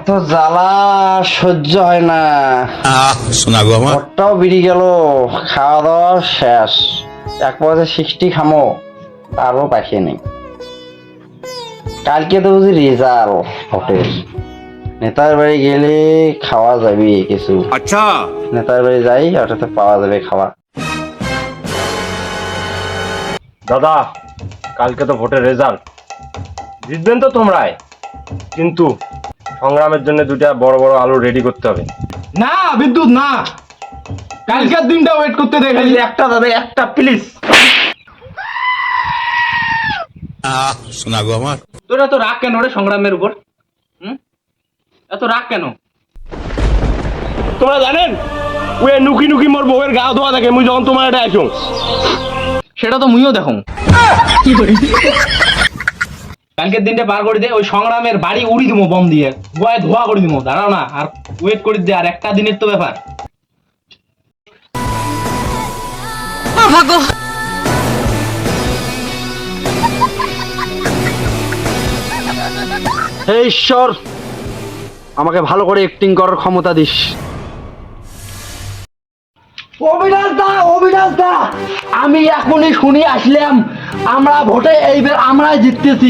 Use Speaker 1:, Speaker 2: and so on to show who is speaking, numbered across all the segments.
Speaker 1: এত জ্বালা সহ্য হয় না।
Speaker 2: শোনা গো আমার
Speaker 1: ভোটটাও বেরিয়ে গেল, খাওয়া দাওয়া শেষ। এক পয়সা 60 খামো, তারও পাখিয়ে নেই। কালকে তো বুঝি রেজাল্ট ভোটের, নেতার বাড়ি গেলে খাওয়া যাবে কিছু।
Speaker 2: আচ্ছা
Speaker 1: নেতার বাড়ি যাই, ওটাতে পাওয়া যাবে খাওয়া।
Speaker 3: দাদা, কালকে তো ভোটের রেজাল্ট, জিতবেন তো তোমরাই, কিন্তু সংগ্রামের জন্য দুটা বড় বড় আলু রেডি করতে হবে।
Speaker 4: না বিদ্যুৎ না, কালকের দিনটা ওয়েট করতে দে খালি।
Speaker 3: একটা দাদা, একটা প্লিজ।
Speaker 2: শোনা গো আমার
Speaker 4: তোর এত রাগ কেন রে সংগ্রামের উপর? এত রাগ কেন?
Speaker 3: তোমরা জানেন ওই নুকি নুকি মোর বউয়ের গা ধোয়া থাকে মুই যখন তোমার এটা আসুন।
Speaker 4: সেটা তো মুইও দেখো। কালকের দিনটা পার করে দে, ওই সংগ্রামের বাড়ি উড়ি দিবো বম দিয়ে, গোয়ায় ধোয়া করে দিবো। দাঁড়াও না, আর ওয়েট করে দে, আর একটা দিনের তো ব্যাপার।
Speaker 1: হে ঈশ্বর, আমাকে ভালো করে অ্যাক্টিং করার ক্ষমতা দিস। অবিনাশ দা, অবিনাশ দা, আমি এখনই শুনি আসলাম আমরা ভোটে এইবার আমরাই জিততেছি।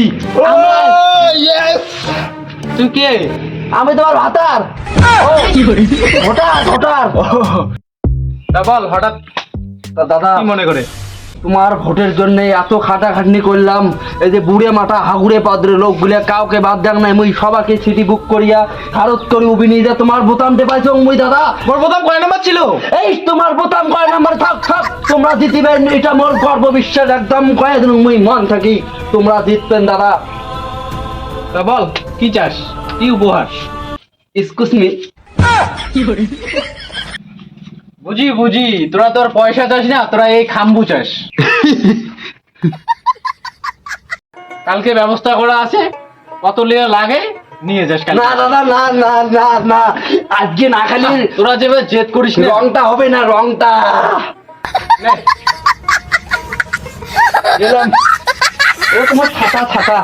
Speaker 4: তুই কে?
Speaker 1: আমি তোমার ভাতার ভোটার ভোটার।
Speaker 4: তা বল, হঠাৎ
Speaker 1: দাদা,
Speaker 4: কি মনে করে?
Speaker 1: তোমার ভোটের জন্য এত খাটাখাটনি করলাম, এই যে বুড়ে মাথা হাগুড়ে পাদ্রে লোকগুলা কাউকে বাদ দেন নাই, মুই সবাইকে সিটি বুক করিয়া ভারত করে উবিনি যে তোমার বোতাম টেপাইছো মুই। দাদা,
Speaker 4: মোর প্রথম কয় নাম্বার ছিল?
Speaker 1: এই তোমার বোতাম কয় নাম্বার? থাক থাক, তোমরা জিতিবেন, এটা মোর গর্ব বিশ্বাস, একদম কয়ে দিন মুই মন থাকি তোমরা জিতবেন দাদা।
Speaker 4: তা বল, কি চাস, কি উপহার?
Speaker 1: Excuse me.
Speaker 4: বুঝি বুঝি, তোরা তোর পয়সা চাস না, তোরা এই খাম্বু চাস। কালকে ব্যবস্থা করা আছে, কত লিয়া লাগে নিয়ে যাস কালকে।
Speaker 1: না দাদা, না না না না, আজকে না খালি
Speaker 4: তোরা যেভাবে জেদ করিস না,
Speaker 1: রংটা হবে না, রংটা
Speaker 4: নে।
Speaker 1: গেলাম। ও তোমার ছাতা ছাতা,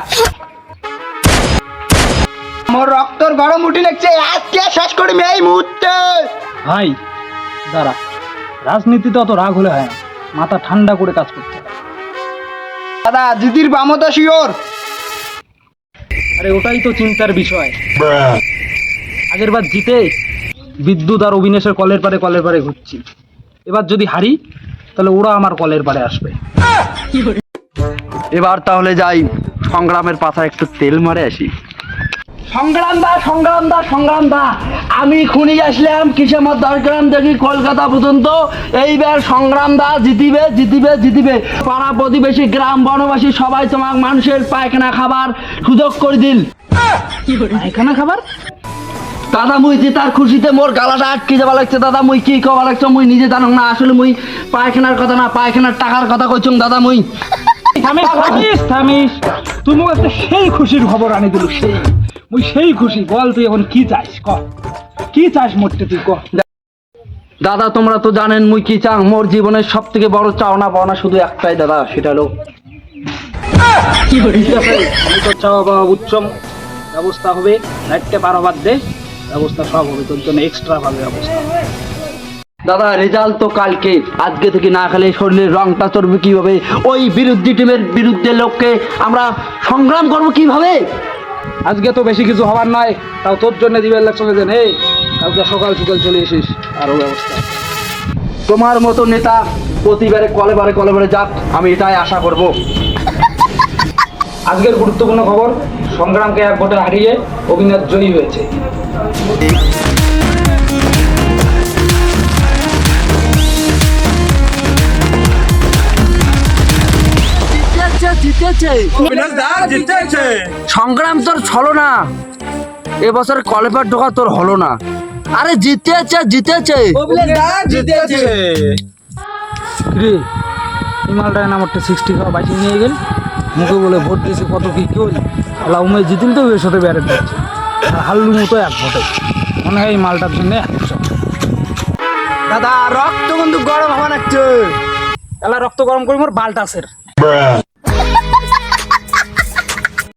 Speaker 4: মোর রক্তর গরম উঠি লাগছে, আজকে শেষ করি এই মুহূর্তে।
Speaker 5: ভাই দাঁড়া, রাজনীতিতে অত রাগ হলে হয় না, মাথা ঠান্ডা করে কাজ করতে হয়।
Speaker 4: দাদা, দিদির বামতা শিওর।
Speaker 5: আরে ওটাই তো চিন্তার বিষয়। আগের বার জিতে বিদ্যুৎ আর অবিনাশের কলের পারে ঘুরছি, এবার যদি হারি তাহলে ওরা আমার কলের পারে আসবে।
Speaker 1: এবার তাহলে যাই সংগ্রামের পাশায় একটু তেল মারে আসি। সংগ্রাম দা, সংগ্রাম দা, সংগ্রাম দা, আমি খুনি আসলাম কিসেমত দরগ্রাম দেখি কলকাতা পর্যন্ত। এইবার সংগ্রাম দা জিতিবে জিতিবে জিতিবে। পাড়া প্রতিবেশী গ্রাম বনবাসী সবাই তোমার মানুষের পায়খানা খাবার সুযোগ করে দিল।
Speaker 5: পায়খানা খাবার?
Speaker 1: দাদা, মুই জিতার খুশিতে মোর গালাটা আটকে যাওয়া লাগছে। দাদা, মুই কি কবা লাগছে মুই নিজে জানো না। আসলে মুই পায়খানার কথা না, পায়খানার টাকার কথা কইছুম দাদা। মুই
Speaker 5: থামিস, তুই মোক একটা সেই খুশির খবর আনি দিল, সেই খুশি। বল তুই এখন কি চাস, ক কি চাস মোটে তুই ক।
Speaker 1: দাদা, তোমরা তো জানেন মুই কি চাং। মোর জীবনের সব থেকে বড় চাওনা পাওনা শুধু একটাই দাদা, সেটা হলো
Speaker 5: আমি তো চাওয়া পাওয়া উচ্চম ব্যবস্থা হবে, রাইটকে বারোবার দে, ব্যবস্থা সব হবে তোর জন্য, এক্সট্রা ভাবে ব্যবস্থা।
Speaker 1: দাদা, রেজাল্ট তো কালকে, আজকে থেকে না খেলে শরীরের রংটা চড়বে কিভাবে? ওই বিরোধী টিমের বিরুদ্ধে লোককে আমরা সংগ্রাম করবো কিভাবে?
Speaker 5: আজকে তো বেশি কিছু হবার নয়, তাও তোর জন্য দিবেন লাগছে যে হে কালকে সকাল সকাল চলে এসিস, আরো ব্যবস্থা।
Speaker 1: তোমার মতো নেতা প্রতিবারে কলেবারে যাক, আমি এটাই আশা করব।
Speaker 5: আজকের গুরুত্বপূর্ণ খবর, সংগ্রামকে এক ভোটে হারিয়ে অবিনাশ জয়ী হয়েছে।
Speaker 1: সংগ্রাম তোর ছলো না, এবছর কলেপার ঢোকা তোর হলো না। আরে জিতেছে জিতেছে
Speaker 5: রে হিমালটায় নাম্বারটা 60 খাওয়া বাইশে নিয়ে গেল, মুখে বলে ভোট দিয়েছে কত কি কেউ লাউমে জিতিল তো এর সাথে ব্যারেট দিচ্ছে, আর হাল্লু মতো এক ভোটে মনে হয় এই মালটার জন্য 100।
Speaker 4: দাদা, রক্ত কিন্তু গরম হওয়া লাগছে।
Speaker 5: এলা রক্ত গরম করি মোর বালটাসের।